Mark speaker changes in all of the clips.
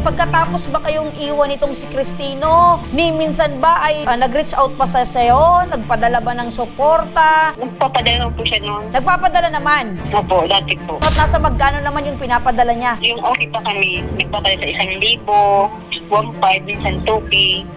Speaker 1: pagkatapos ba kayong iwan itong si Cristino, ni minsan ba ay nag-reach out pa sa sayo? Nagpadala ba ng suporta?
Speaker 2: Nagpapadala po siya noon.
Speaker 1: Nagpapadala naman.
Speaker 2: Opo, dati po.
Speaker 1: At nasa magkano naman yung pinapadala niya?
Speaker 2: Yung okay pa kami, nagpapadala sa 1,000, 1,500, minsan 2K.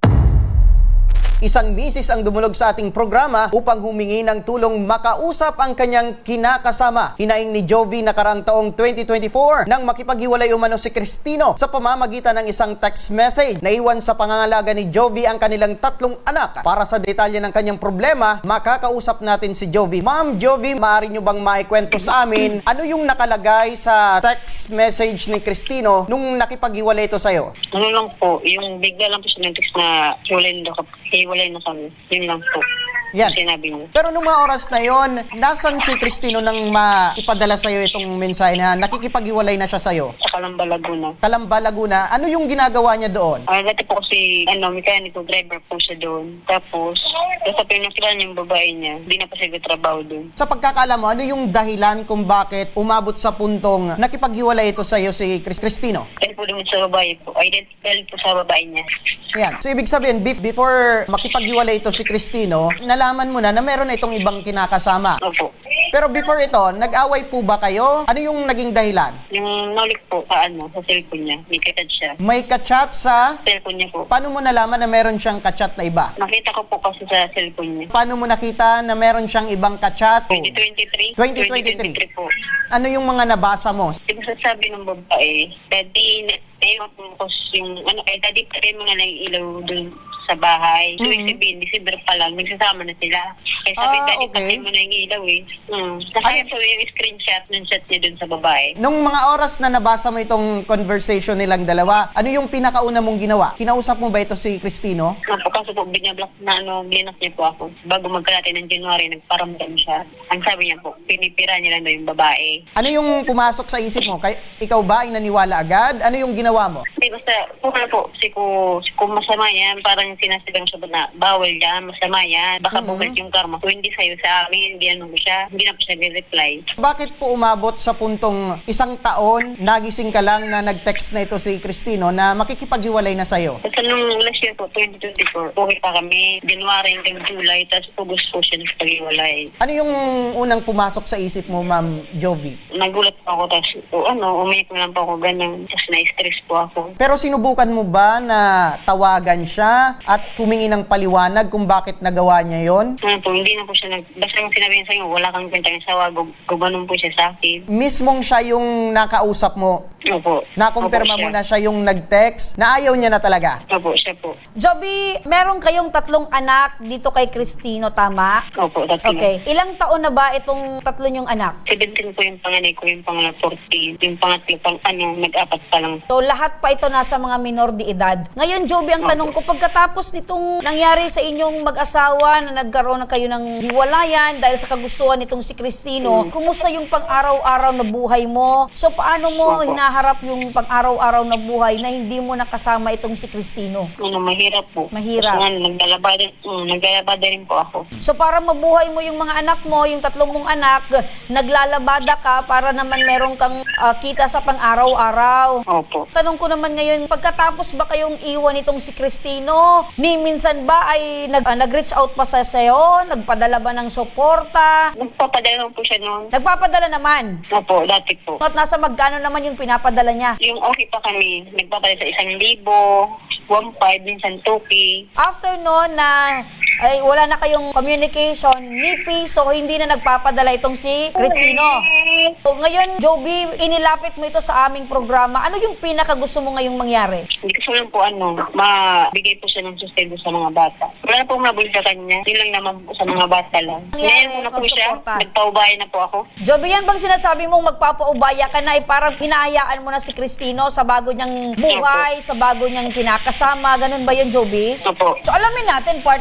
Speaker 3: Isang misis ang dumulog sa ating programa upang humingi ng tulong makausap ang kanyang kinakasama. Hinaing ni Jovi nakaraang taong 2024 nang makipaghiwalay umano si Cristino sa pamamagitan ng isang text message. Naiwan sa pangangalaga ni Jovi ang kanilang 3 anak. Para sa detalye ng kanyang problema, makakausap natin si Jovi. Ma'am Jovi, maaari nyo bang maikwento sa amin ano yung nakalagay sa text message ni Cristino nung nakipaghiwalay ito sa'yo?
Speaker 2: Ano lang po, yung bigla lang po siya nag-text na hiwalay na kami. Yun lang po.
Speaker 3: Yan.
Speaker 2: Sinabi niya.
Speaker 3: Pero nung mga oras na yon, nasan si Cristino nang maipadala sa'yo itong mensahe na nakikipaghiwalay na siya sa'yo?
Speaker 2: Sa Calamba, Laguna.
Speaker 3: Calamba, Laguna, ano yung ginagawa niya doon?
Speaker 2: Dati po kasi, mekaniko, driver po siya doon. Tapos pinakilala niya yung babae niya. Hindi na po siya trabaho doon.
Speaker 3: Sa pagkakaalam mo, ano yung dahilan kung bakit umabot sa puntong nakipaghiwalay ito sa'yo si Cristino?
Speaker 2: Dahil po doon sa babae po. Identical po sa babae niya.
Speaker 3: Ayan. So, ibig sabihin, before makipaghiwalay ito si Cristino, nalaman mo na meron na itong ibang kinakasama.
Speaker 2: Opo.
Speaker 3: Pero before ito, nag-away po ba kayo? Ano yung naging dahilan?
Speaker 2: Yung naulik po sa cellphone niya. May katad siya.
Speaker 3: May kachat sa...
Speaker 2: Cellphone niya po.
Speaker 3: Paano mo nalaman na meron siyang kachat na iba?
Speaker 2: Nakita ko po kasi sa cellphone niya.
Speaker 3: Paano mo nakita na meron siyang ibang kachat?
Speaker 2: 2023?
Speaker 3: 2023.
Speaker 2: po.
Speaker 3: Ano yung mga nabasa mo?
Speaker 2: Yung sasabi ng babae, Daddy, naiwan po yung, Daddy, patay mo na lang yung ilaw dun sa bahay. So, ibig sabihin, December pa lang, nagsasama na sila. Kaya sabi, Daddy,
Speaker 3: okay.
Speaker 2: patay mo na yung ilaw eh. Nakaya po yung screenshot ng chat niya dun sa babae.
Speaker 3: Nung mga oras na nabasa mo itong conversation nilang dalawa, ano yung pinakauna mong ginawa? Kinausap mo ba ito si Cristino?
Speaker 2: Po, kaso po, binablock na blinak niya po ako. Bago magkalate ng January, nagparamdam siya. Ang sabi niya po, pinipira niya lang daw yung babae.
Speaker 3: Ano yung pumasok sa isip mo? Ikaw ba ay naniwala agad? Ano yung ginawa mo?
Speaker 2: Hindi, basta, po, kung masama yan, parang sinasabihan siya na bawal yan, masama yan, baka bumalik yung karma. Kung hindi sa'yo sa amin, hindi na po siya reply.
Speaker 3: Bakit po umabot sa puntong 1 taon, nagising ka lang na nag-text na ito si Cristino na makikipaghiwalay na sa'yo?
Speaker 2: Kasi nung last year po, 2024, okay pa kami, January hanggang July, tapos August po siya nagpaghiwalay.
Speaker 3: Ano yung unang pumasok sa isip mo, Ma'am Jovi?
Speaker 2: Nagulat po ako, tapos umiyak na lang po ako, ganyan, tapos na-stress po ako.
Speaker 3: Pero sinubukan mo ba na tawagan siya at humingi ng paliwanag kung bakit nagawa niya yon?
Speaker 2: Hindi na po siya basta yung sinabi niya sa'yo, wala kang kwentang sawa, gumanon po siya sa akin.
Speaker 3: Mismong siya yung nakausap mo?
Speaker 2: Opo.
Speaker 3: Nakumpirma mo na siya yung nag-text na ayaw niya na talaga?
Speaker 2: Opo, siya po.
Speaker 1: Joby, meron kayong 3 anak dito kay Cristino, tama?
Speaker 2: Opo, dati
Speaker 1: Okay. Ilang taon na ba itong 3 yung anak?
Speaker 2: 17 po yung panganay ko, yung pangala 14, yung pangatlo nag-apat pa lang.
Speaker 1: So, lahat pa ito nasa mga minor de edad. Ngayon, Joby, ang tanong ko, pagkatapos nitong nangyari sa inyong mag-asawa na nagkaroon na kayo ng hiwalayan dahil sa kagustuhan nitong si Cristino, kumusta yung pang-araw-araw na buhay mo? So, paano mo hinaharap yung pang-araw-araw na buhay na hindi mo nakasama itong si Cristino?
Speaker 2: Mahirap po.
Speaker 1: Mahirap.
Speaker 2: Kasi naglalabada rin po ako.
Speaker 1: So, para mabuhay mo yung mga anak mo, yung 3 mong anak, naglalabada ka para naman meron kang kita sa pang-araw-araw.
Speaker 2: Opo.
Speaker 1: Tanong ko naman ngayon, pagkatapos ba kayong iwan itong si Cristino, ni minsan ba ay nag-reach out pa sa sayo? Nagpadala ba ng suporta?
Speaker 2: Nagpapadala po siya noon.
Speaker 1: Nagpapadala naman.
Speaker 2: Opo, dati po.
Speaker 1: At nasa magkano naman yung pinapadala niya?
Speaker 2: Yung okay pa kami, nagpapadala sa 1,000, 1,500, minsan 2K.
Speaker 1: After noon na ay wala na kayong communication ni Piso, hindi na nagpapadala itong si Cristino. So, ngayon, Joby, inilapit mo ito sa aming programa. Ano yung pinakagusto mo ngayong mangyari?
Speaker 2: Hindi ko lang po mabigay po siya ng sustento sa mga bata. Wala na po mabuli sa kanya. Yun lang naman po sa mga bata lang. Ngayon po na po siya.
Speaker 1: pagsuporta.
Speaker 2: Nagpaubaya na po ako.
Speaker 1: Joby, yan bang sinasabi mong magpapaubaya ka na, parang hinahayaan mo na si Cristino sa bago niyang buhay, sa bago niyang kinakasama? Ganun ba yun, Joby?
Speaker 2: Opo.
Speaker 1: So, alamin natin, partner, kung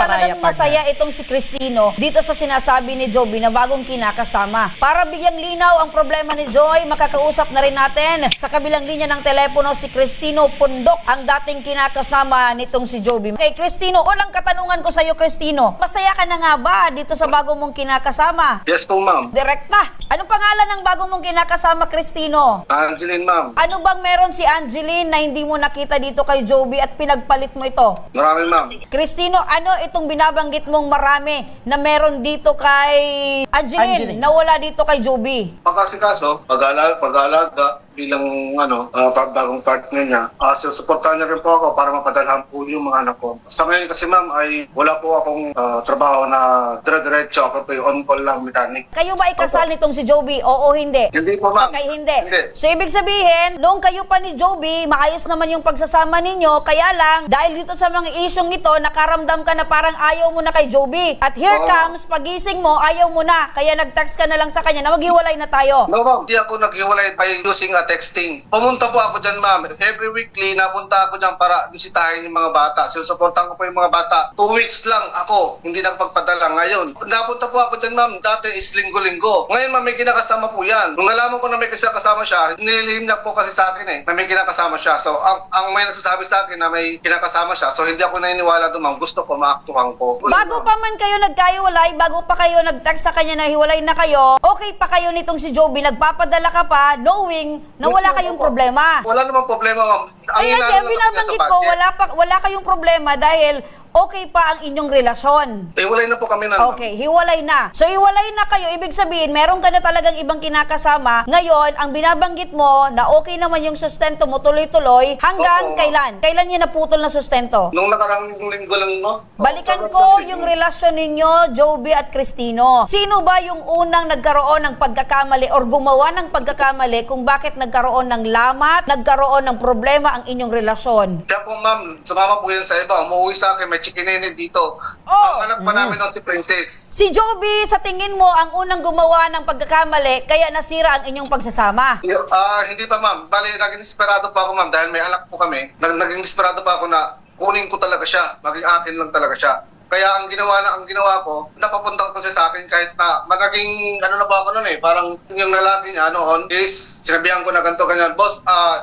Speaker 1: talagang masaya itong si Cristino dito sa sinasabi ni Joby na bagong kinakasama. Para bigyang linaw ang problema ni Joy, makakausap na rin natin sa kabilang linya ng telepono si Cristino Pundok, ang dating kinakasama nitong si Joby. Okay, Cristino, unang katanungan ko sa iyo, Cristino. Masaya ka na nga ba dito sa bagong mong kinakasama?
Speaker 4: Yes po, ma'am.
Speaker 1: Direkta. Anong pangalan ng bagong mong kinakasama, Cristino?
Speaker 4: Angeline, ma'am.
Speaker 1: Ano bang meron si Angeline na hindi mo nakita dito kay Joby at pinagpalit mo ito?
Speaker 4: Maraming, ma'am.
Speaker 1: Cristino, ano itong binabanggit mong marami na meron dito kay Angeline, na wala dito kay Joby?
Speaker 4: Pagkasikaso, pag-aalaga bilang bagong partner niya. Susuportahan niya rin po ako para mapadalhan po yung mga anak ko. Sa ngayon kasi, ma'am, ay wala po akong trabaho na dire-diretso. Ako po yung on-call lang mechanic.
Speaker 1: Kayo ba ikasal nitong si Joby? Oo, hindi?
Speaker 4: Hindi po, ma'am.
Speaker 1: Okay, hindi.
Speaker 4: Hindi.
Speaker 1: So, ibig sabihin, noong kayo pa ni Joby, maayos naman yung pagsasama ninyo, kaya lang, dahil dito sa mga isyong ito, nakaramdam ka na parang ayaw mo na kay Joby. At here comes, pagising mo, ayaw mo na. Kaya nag-text ka na lang sa kanya na maghiwalay na tayo.
Speaker 4: No, ma'am. Hindi ako naghiwalay by using texting. Pumunta po ako dyan, ma'am. Every weekly, napunta ako dyan para bisitahin yung mga bata. Sinusuportahan ko po yung mga bata. 2 weeks lang ako, hindi nagpagpadala. Ngayon, napunta po ako dyan, ma'am. Dati is linggo-linggo. Ngayon, ma'am, may kinakasama po yan. Nung nalaman ko na may kinakasama siya, nililihim niya po kasi sa akin na may kinakasama siya. So, ang may nagsasabi sa akin na may kinakasama siya, so hindi ako naniniwala doon, ma'am. Gusto ko, maaktuhan ko.
Speaker 1: Bago pa man kayo nagkahiwalay, bago pa kayo nag-text sa kanya na hiwalay na kayo, okay pa kayo nitong si Joby, nagpapadala ka pa, knowing na wala kayong problema.
Speaker 4: Wala namang problema, ma'am.
Speaker 1: Kaya kaya binabanggit ko, wala kayong problema dahil okay pa ang inyong relasyon.
Speaker 4: Hiwalay na po kami na.
Speaker 1: Okay, hiwalay na. So, hiwalay na kayo. Ibig sabihin, meron ka na talagang ibang kinakasama. Ngayon, ang binabanggit mo na okay naman yung sustento mo tuloy-tuloy hanggang
Speaker 4: Oo.
Speaker 1: kailan? Kailan niya naputol na sustento?
Speaker 4: Nung nakarang linggo lang, no?
Speaker 1: Balikan ko yung relasyon ninyo, Joby at Cristino. Sino ba yung unang nagkaroon ng pagkakamali or gumawa ng pagkakamali kung bakit nagkaroon ng lamat, nagkaroon ng problema ang inyong relasyon?
Speaker 4: Siya po, ma'am, sumama po yan sa iba. Umuwi sa akin, may chikinene dito.
Speaker 1: Oh.
Speaker 4: Ang anak pa namin nun si Princess.
Speaker 1: Si Joby, sa tingin mo, ang unang gumawa ng pagkakamali, kaya nasira ang inyong pagsasama.
Speaker 4: Hindi pa, ma'am. Bali, naging desperado pa ako, ma'am, dahil may anak po kami. Naging desperado pa ako na kunin ko talaga siya. Maging akin lang talaga siya. Kaya ang ginawa ko, napapunta ko siya sa akin kahit na naging na ba ako noon parang yung lalaki niya noon is sinabihan ko na ganito ganyan, boss,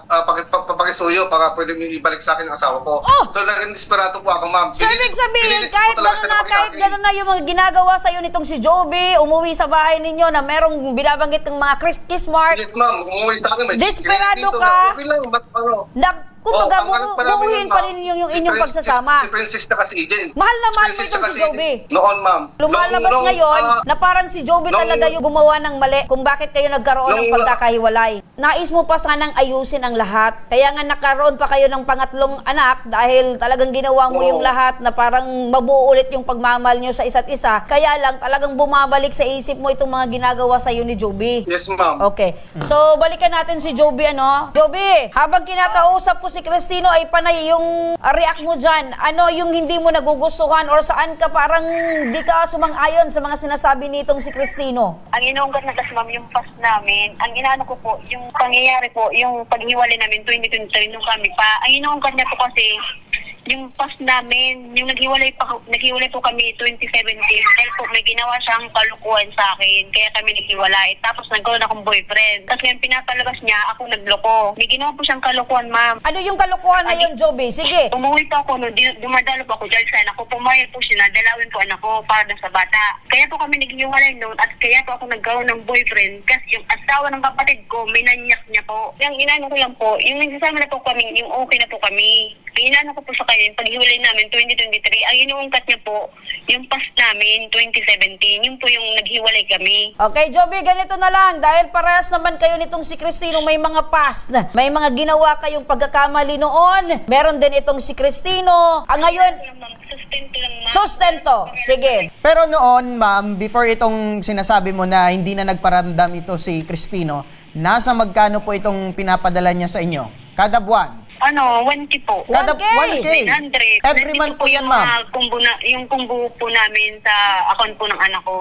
Speaker 4: pagisuyo para pwede mo ibalik sa akin ang asawa ko.
Speaker 1: Oh!
Speaker 4: So naging desperado po ako, ma'am.
Speaker 1: So, ibig sabihin,
Speaker 4: Pinilit ko
Speaker 1: kahit
Speaker 4: talaga siya na
Speaker 1: kahit
Speaker 4: maging
Speaker 1: gano'n na yung mga ginagawa sa'yo nitong si Joby, umuwi sa bahay ninyo na merong binabanggit ng mga kiss mark,
Speaker 4: Yes, ma'am. Umuwi sa akin. May
Speaker 1: Desperado
Speaker 4: dito
Speaker 1: ka?
Speaker 4: na, okay lang, ba't ano?
Speaker 1: kumbaga,
Speaker 4: ang anak pa namin
Speaker 1: buuhin
Speaker 4: yun,
Speaker 1: pa
Speaker 4: ma'am.
Speaker 1: rin yung
Speaker 4: Si
Speaker 1: inyong
Speaker 4: Princess-
Speaker 1: pagsasama.
Speaker 4: Si Princess na kasi Eden.
Speaker 1: Mahal na mahal mo
Speaker 4: Princess
Speaker 1: itong
Speaker 4: na
Speaker 1: si
Speaker 4: kasi
Speaker 1: Joby.
Speaker 4: Eden. Noon, ma'am.
Speaker 1: Lumalabas
Speaker 4: Nung-
Speaker 1: ngayon
Speaker 4: ah,
Speaker 1: na parang si Joby
Speaker 4: nung-
Speaker 1: talaga yung gumawa ng mali kung bakit kayo nagkaroon ng
Speaker 4: nung-
Speaker 1: pagkakahiwalay. Nais mo pa sanang ayusin ang lahat. Kaya nga nagkaroon pa kayo ng pangatlong anak dahil talagang ginawa mo
Speaker 4: Oo.
Speaker 1: yung lahat na parang mabuo ulit yung pagmamahal nyo sa isa't isa. Kaya lang talagang bumabalik sa isip mo itong mga ginagawa sa'yo ni Joby.
Speaker 4: Yes, ma'am.
Speaker 1: Okay. So, balikan natin si Joby, ano? Joby, habang kinakausap ko si Cristino ay panay yung react mo dyan. Ano yung hindi mo nagugustuhan or saan ka parang di ka sumang-ayon sa mga sinasabi nitong si Cristino?
Speaker 2: Ang inuungkat na tas ma'am, yung past namin, ang inaano ko po, yung pangyayari po, yung paghiwalay namin 2023 nung kami pa, ang inuungkat niya po kasi, yung past namin, yung naghiwalay po kami 2017 dahil po may ginawa siyang kalukuhan sa akin, kaya kami naghiwalay. Tapos nagkaroon akong boyfriend. Tapos ngayon pinapalabas niya, ako nagloko. May ginawa po siyang kalukuhan, ma'am.
Speaker 1: Ano yung kalokohan na yun, Joby? Sige.
Speaker 2: Umuwi po ako, dumadalo po ako dahil sa anak ko. Pumayag po siya na dalawin po anak ko para sa bata. Kaya po kami naghiwalay noon at kaya po ako nagkaroon ng boyfriend kasi yung asawa ng kapatid ko, minanyak niya po. Yung inano ko lang po, yung nagsasama na po kami, yung okay na po kami. Yung inano ko po sa kanya, yung paghiwalay namin 2023, ang inuungkat niya po, yung past namin 2017, yun po yung naghiwalay kami.
Speaker 1: Okay, Joby, ganito na lang. Dahil parehas naman kayo nitong si Cristino, may mga past. May mga ginawa kayong pagkakamali noon. Meron din itong si Cristino. Ngayon,
Speaker 2: Sustento lang, ma'am.
Speaker 1: sustento. Sige.
Speaker 3: Pero noon, ma'am, before itong sinasabi mo na hindi na nagparamdam ito si Cristino, nasa magkano po itong pinapadala niya sa inyo? Kada buwan?
Speaker 2: Ano, 1K po.
Speaker 3: Kada
Speaker 1: 1K?
Speaker 3: 1K. Every
Speaker 2: Nandito
Speaker 3: month po yan,
Speaker 2: yung
Speaker 3: ma'am.
Speaker 2: mga yung kumbo po namin sa account po ng anak ko.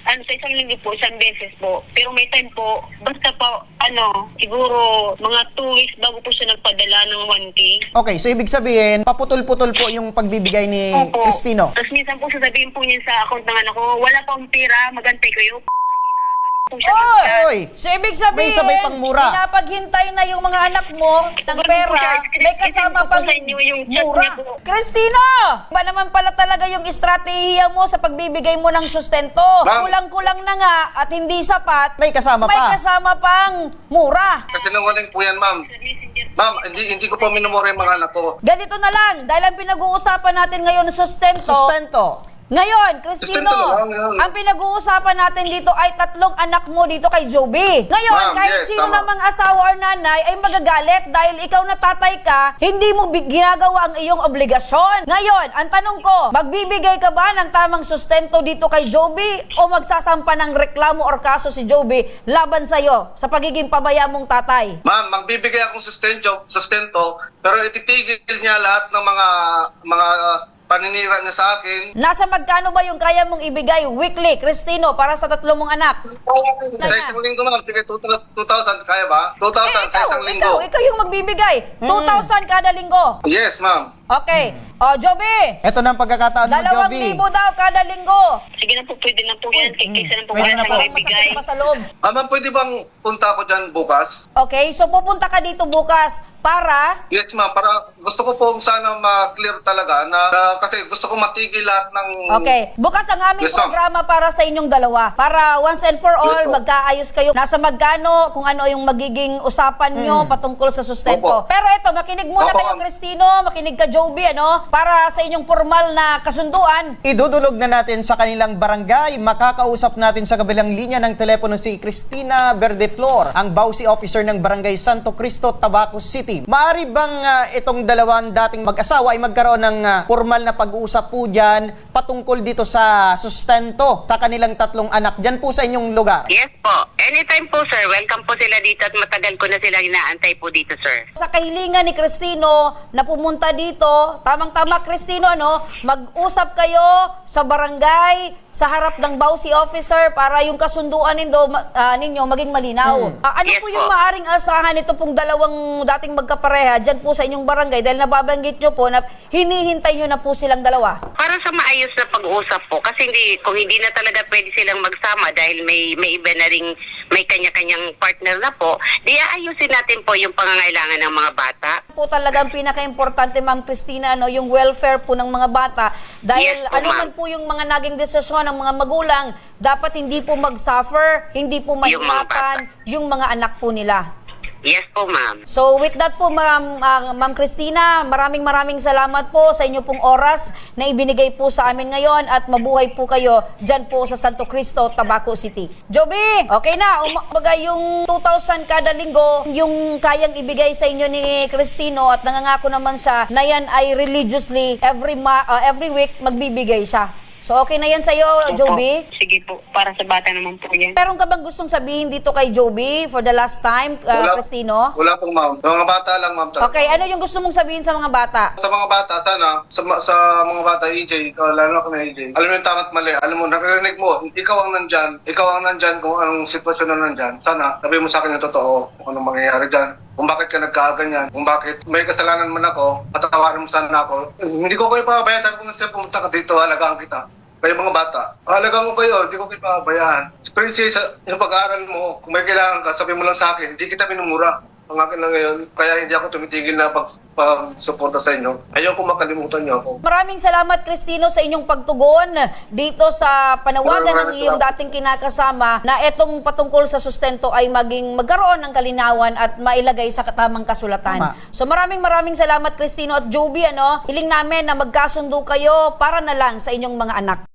Speaker 2: sa isang linggo po, isang beses po. Pero may time po, basta po, siguro mga 2 weeks bago po siya nagpadala ng 1K.
Speaker 3: Okay, so ibig sabihin, paputol-putol po yung pagbibigay ni
Speaker 2: Opo.
Speaker 3: Cristino.
Speaker 2: Tapos minsan po sasabihin po niya sa account ng anak ko, wala pa akong pera, magantay kayo. Po siya ng chat.
Speaker 3: Oy!
Speaker 1: So, ibig sabihin,
Speaker 3: May sabay pang mura.
Speaker 1: pinapaghintay na yung mga anak mo ng pera, may kasama
Speaker 2: Isend ko po
Speaker 1: pang
Speaker 2: sa inyo yung chat
Speaker 1: mura.
Speaker 2: niya po.
Speaker 1: Christina! Ba naman pala talaga yung estratehiya mo sa pagbibigay mo ng sustento?
Speaker 4: Ma'am.
Speaker 1: Kulang-kulang na nga at hindi sapat,
Speaker 3: May kasama
Speaker 1: may
Speaker 3: pa.
Speaker 1: kasama pang mura.
Speaker 4: Kasi nangaling po yan, ma'am.
Speaker 2: Sa Messenger.
Speaker 4: Ma'am, hindi ko po minumura yung mga anak ko.
Speaker 1: Ganito na lang, dahil ang pinag-uusapan natin ngayon sustento.
Speaker 3: Sustento.
Speaker 1: Ngayon, Cristino,
Speaker 4: Sustento na lang, yun.
Speaker 1: ang pinag-uusapan natin dito ay 3 anak mo dito kay Joby. Ngayon,
Speaker 4: Ma'am,
Speaker 1: kahit
Speaker 4: yes,
Speaker 1: sino
Speaker 4: tama.
Speaker 1: namang asawa or nanay ay magagalit dahil ikaw na tatay ka, hindi mo ginagawa ang iyong obligasyon. Ngayon, ang tanong ko, magbibigay ka ba ng tamang sustento dito kay Joby o magsasampa ng reklamo or kaso si Joby laban sa'yo sa pagiging pabaya mong tatay?
Speaker 4: Ma'am, magbibigay akong sustento, pero ititigil niya lahat ng mga paninira niya sa akin.
Speaker 1: Nasa magkano ba yung kaya mong ibigay weekly, Cristino, para sa 3 mong anak?
Speaker 4: Sa isang linggo, ma'am, sige, 2,000, kaya ba? 2,000 sa isang linggo.
Speaker 1: Ikaw yung magbibigay. 2,000 kada linggo.
Speaker 4: Yes, ma'am.
Speaker 1: Okay. O, Joby,
Speaker 3: Ito na ang pagkakataon mo,
Speaker 1: 2,000
Speaker 3: Jovi.
Speaker 1: daw kada linggo.
Speaker 2: Sige na po, pwede na po yan. Kaysa na po
Speaker 3: Pwede
Speaker 2: wala
Speaker 3: na
Speaker 2: siyang
Speaker 3: po.
Speaker 2: maibigay.
Speaker 1: Masakit pa sa loob.
Speaker 4: Ma'am, pwede bang punta ako dyan bukas?
Speaker 1: Okay, so pupunta ka dito bukas para...
Speaker 4: Yes, ma'am. Para gusto ko po sana ma-clear talaga na kasi gusto ko matigil lahat ng...
Speaker 1: Okay, bukas ang aming
Speaker 4: Yes, ma'am.
Speaker 1: programa para sa inyong dalawa. Para once and for all,
Speaker 4: Yes, ma'am.
Speaker 1: magkaayos kayo. Nasa magkano, kung ano yung magiging usapan nyo patungkol sa sustento.
Speaker 4: Opo.
Speaker 1: Pero ito, makinig muna
Speaker 4: Opo,
Speaker 1: kayo,
Speaker 4: ma'am.
Speaker 1: Cristino, makinig ka, Joby, para sa inyong formal na kasunduan.
Speaker 3: Idudulog na natin sa kanilang barangay. Makakausap natin sa kabilang linya ng telepono si Cristina Verdeflor, ang Bausi Officer ng Barangay Santo Cristo, Tabaco City. Maari bang itong dalawang dating mag-asawa ay magkaroon ng formal na pag-uusap po dyan patungkol dito sa sustento sa kanilang 3 anak dyan po sa inyong lugar?
Speaker 5: Yes po. Anytime po, sir. Welcome po sila dito at matagal ko na sila inaantay po dito, sir.
Speaker 1: Sa kahilingan ni Cristino na pumunta dito, tamang-tama Cristino, mag-usap kayo sa barangay, sa harap ng Bausi Officer para yung kasunduan ninyo maging malinaw. Ano
Speaker 5: Yes
Speaker 1: po yung
Speaker 5: po.
Speaker 1: maaring asahan ito pong dalawang dating magkapareha dyan po sa inyong barangay dahil nababanggit nyo po na hinihintay nyo na po silang dalawa?
Speaker 5: Para sa maayos na pag-uusap po, kasi kung hindi na talaga pwede silang magsama dahil may iba na ring may kanya-kanyang partner na po, di aayusin natin po yung pangangailangan ng mga bata.
Speaker 1: Po talagang pinaka-importante, Ma'am Cristina, yung welfare po ng mga bata. Dahil
Speaker 5: Yes po,
Speaker 1: ano
Speaker 5: ma'am.
Speaker 1: man po yung mga naging desisyon ng mga magulang, dapat hindi po mag-suffer, hindi po
Speaker 5: Yung mga
Speaker 1: mahirapan
Speaker 5: bata.
Speaker 1: yung mga anak po nila.
Speaker 5: Yes po, ma'am.
Speaker 1: So with that po, Ma'am Cristina, maraming salamat po sa inyo pong oras na ibinigay po sa amin ngayon at mabuhay po kayo dyan po sa Santo Cristo, Tabaco City. Joby, okay na. Bagay yung 2,000 kada linggo, yung kayang ibigay sa inyo ni Cristino at nangangako naman siya na yan ay religiously every week magbibigay siya. So okay na yan sa'yo, Joby?
Speaker 2: Sige po, para sa bata naman po yan.
Speaker 1: Meron ka bang gustong sabihin dito kay Joby for the last time, Cristino?
Speaker 4: Wala pong, ma'am. Mga bata lang, ma'am. talaga.
Speaker 1: Okay, ano yung gusto mong sabihin sa mga bata?
Speaker 4: Sa mga bata, sana, sa mga bata, EJ, lalo na kami EJ, alam mo yung tama't mali, alam mo, naririnig mo, ikaw ang nandyan kung anong sitwasyon na nandyan. Sana, sabi mo sa akin yung totoo, kung anong mangyayari dyan. Kung bakit ka nagkaganyan, kung bakit may kasalanan man ako, patatawarin mo sana ako. Hindi ko kayo pababayaan, sabi ko nga pumunta ka dito, halagaan kita. Kayo mga bata, halagaan ko kayo, hindi ko kayo pababayaan. Princess, yung pag-aaral mo, kung may kailangan ka, sabi mo lang sa akin, hindi kita minumura. Ang akin lang ngayon, kaya hindi ako tumitigil na pag-suporta sa inyo. Ayaw ko makalimutan niyo ako.
Speaker 1: Maraming salamat, Cristino, sa inyong pagtugon dito sa panawagan ng
Speaker 4: Maraming
Speaker 1: iyong
Speaker 4: salamat.
Speaker 1: dating kinakasama na etong patungkol sa sustento ay magkaroon ng kalinawan at mailagay sa tamang kasulatan.
Speaker 3: Tama.
Speaker 1: So maraming salamat, Cristino at Joby. Hiling namin na magkasundo kayo para na lang sa inyong mga anak.